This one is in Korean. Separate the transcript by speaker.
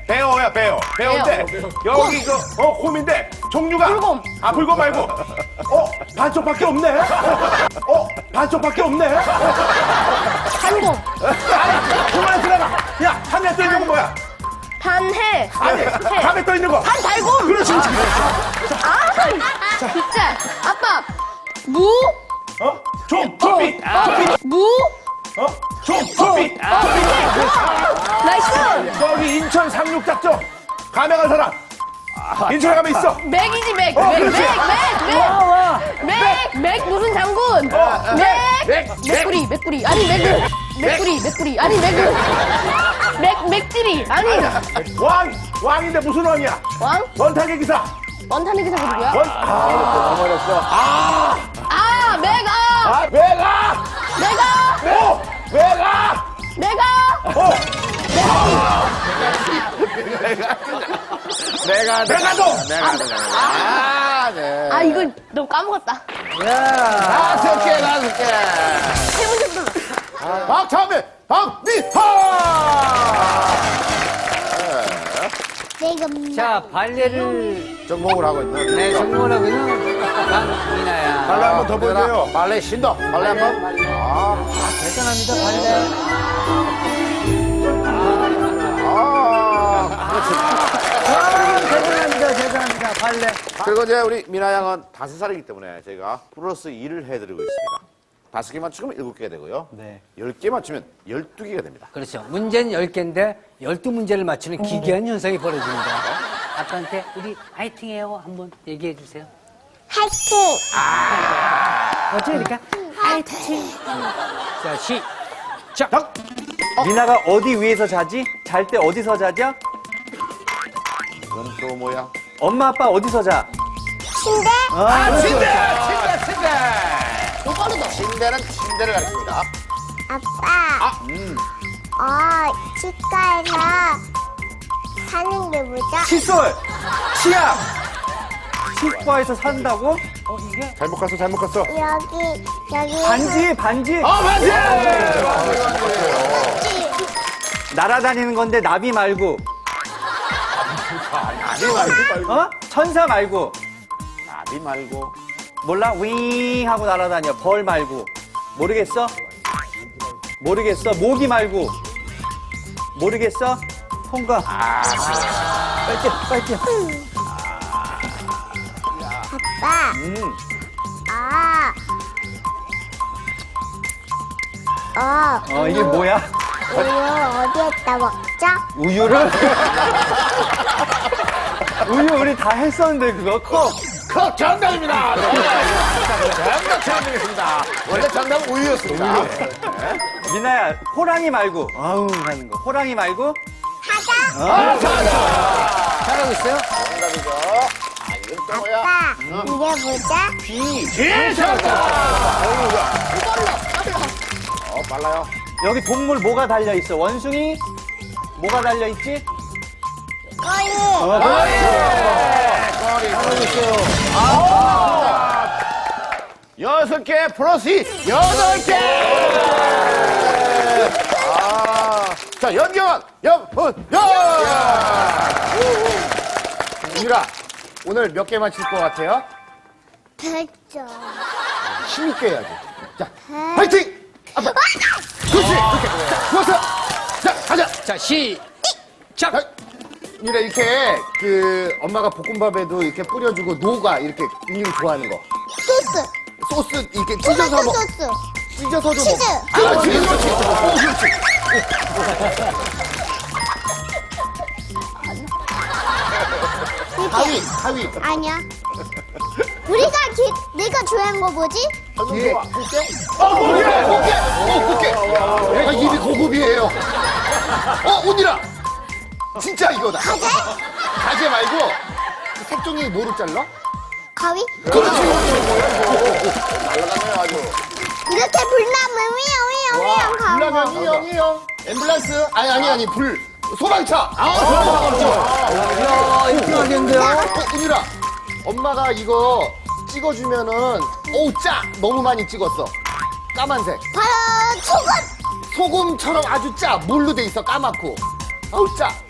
Speaker 1: 배어야, 배어. 배어인데, 여기 곰인데, 종류가.
Speaker 2: 불곰.
Speaker 1: 아, 불곰 말고. 반쪽밖에 없네. 반쪽밖에 없네.
Speaker 2: 단곰.
Speaker 1: 그만해, 들어가. 야, 하늘에 떠 있는 건 뭐야?
Speaker 2: 단해.
Speaker 1: 아니, 밤에 떠 있는 거.
Speaker 2: 단달곰.
Speaker 1: 그렇지, 그렇지.
Speaker 2: 진짜. 아빠. 무.
Speaker 1: 좀비.
Speaker 2: 무.
Speaker 1: 좀비.
Speaker 2: 나이스.
Speaker 1: 저기 인천 상륙작전. 감에 간 사람. 인천에 가면 있어.
Speaker 2: 맥이지, 맥.
Speaker 1: 그렇지.
Speaker 2: 맥 무슨 장군? 맥구리. 아니, 맥구리. 아니, 맥지리. 아니,
Speaker 1: 왕인데 무슨 왕이야?
Speaker 2: 왕?
Speaker 1: 원탁의 기사.
Speaker 2: 원탄의 기사가 누구야?
Speaker 1: 어머렸어.
Speaker 2: 내가. 이거 너무 까먹었다.
Speaker 3: 다섯 개.
Speaker 2: 세 문제부터.
Speaker 3: 박찬민, 박미하!
Speaker 4: 자, 발레를
Speaker 3: 정복을 하고 있는.
Speaker 4: 네, 전공을 하고 있는 강민아야.
Speaker 1: 발레 한번 더 보여줘요.
Speaker 3: 발레 신동. 발레 한 번.
Speaker 4: 대단합니다, 발레. 대단합니다, 발레.
Speaker 3: 그리고 이제 우리 미나 양은 5살이기 때문에 저희가 플러스 2를 해드리고 있습니다. 5개 맞추면 7개가 되고요.
Speaker 4: 네.
Speaker 3: 10개 맞추면 12개가 됩니다.
Speaker 4: 그렇죠. 문제는 10개인데 12문제를 맞추는 기괴한 현상이 벌어집니다. 아빠한테 우리 화이팅해요 한번 얘기해 주세요.
Speaker 5: 화이팅!
Speaker 4: 어쩌니까 화이팅. 자, 시작.
Speaker 6: 미나가 어디 위에서 자지? 잘 때 어디서 자죠?
Speaker 3: 이건 또 뭐야?
Speaker 6: 엄마 아빠 어디서 자?
Speaker 5: 침대?
Speaker 3: 침대는 침대를 가르칩니다.
Speaker 5: 아빠. 치과에서 사는 게 뭐죠?
Speaker 6: 칫솔! 치약! 치과에서 산다고?
Speaker 1: 잘못 갔어.
Speaker 5: 여기.
Speaker 6: 반지!
Speaker 3: 맞지!
Speaker 6: 날아다니는 건데 나비 말고. 천사 말고.
Speaker 3: 나비 말고.
Speaker 6: 몰라? 윙 하고 날아다녀. 벌 말고. 모르겠어? 모기 말고. 모르겠어? 통과. 빨리.
Speaker 5: 아빠.
Speaker 6: 이게 뭐야?
Speaker 5: 우유 어디에다 먹죠?
Speaker 6: 우유를? 우유 우리 다 했었는데 그거 컵.
Speaker 3: 정답입니다. 정답 드리겠습니다. 원래 정답은 우유였습니다.
Speaker 6: 미나야 호랑이 말고 하는 거 호랑이 말고
Speaker 4: 잘하고 있어요?
Speaker 3: 정답이죠. 이건 또 뭐야?
Speaker 5: 아빠, 이게 뭐죠?
Speaker 3: 빨라요.
Speaker 6: 여기 동물 뭐가 달려 있어? 원숭이 뭐가 달려 있지?
Speaker 5: 거의.
Speaker 3: 여섯 개 플러스 8개! 자, 연경원, 유라, 오늘 몇 개 맞힐 것 같아요?
Speaker 5: 100점.
Speaker 3: 힘있게 해야지. 자, 화이팅! 아빠! 그렇지! 그렇게. 좋았어! 자, 가자!
Speaker 4: 자, 시작.
Speaker 3: 유라, 이렇게, 엄마가 볶음밥에도 이렇게 뿌려주고, 노가 이렇게 은유 좋아하는 거. 소스 이렇게 찢어서 먹.
Speaker 5: 소스.
Speaker 3: 찢어서도
Speaker 5: 치즈.
Speaker 3: 먹. 그렇지, 그렇지. 하위.
Speaker 5: 아니야. 내가 좋아하는 거 뭐지?
Speaker 3: 뒤에. 꽃게. 내가 입이 고급이에요. 온이라. 진짜 이거다. 가재 말고, 색종이 뭐로 잘라?
Speaker 5: 가위?
Speaker 3: 그렇지. 날라가네요, 아주.
Speaker 5: 이렇게 불나면 위험 가고.
Speaker 3: 불나면 이형. 앰뷸런스? 아니, 불. 소방차.
Speaker 4: 이야, 이거 하겠는데요?
Speaker 3: 은유라, 엄마가 이거 찍어주면은, 짜! 너무 많이 찍었어. 까만색.
Speaker 5: 바로 소금.
Speaker 3: 소금처럼 아주 짜. 물로 돼 있어, 까맣고. 짜.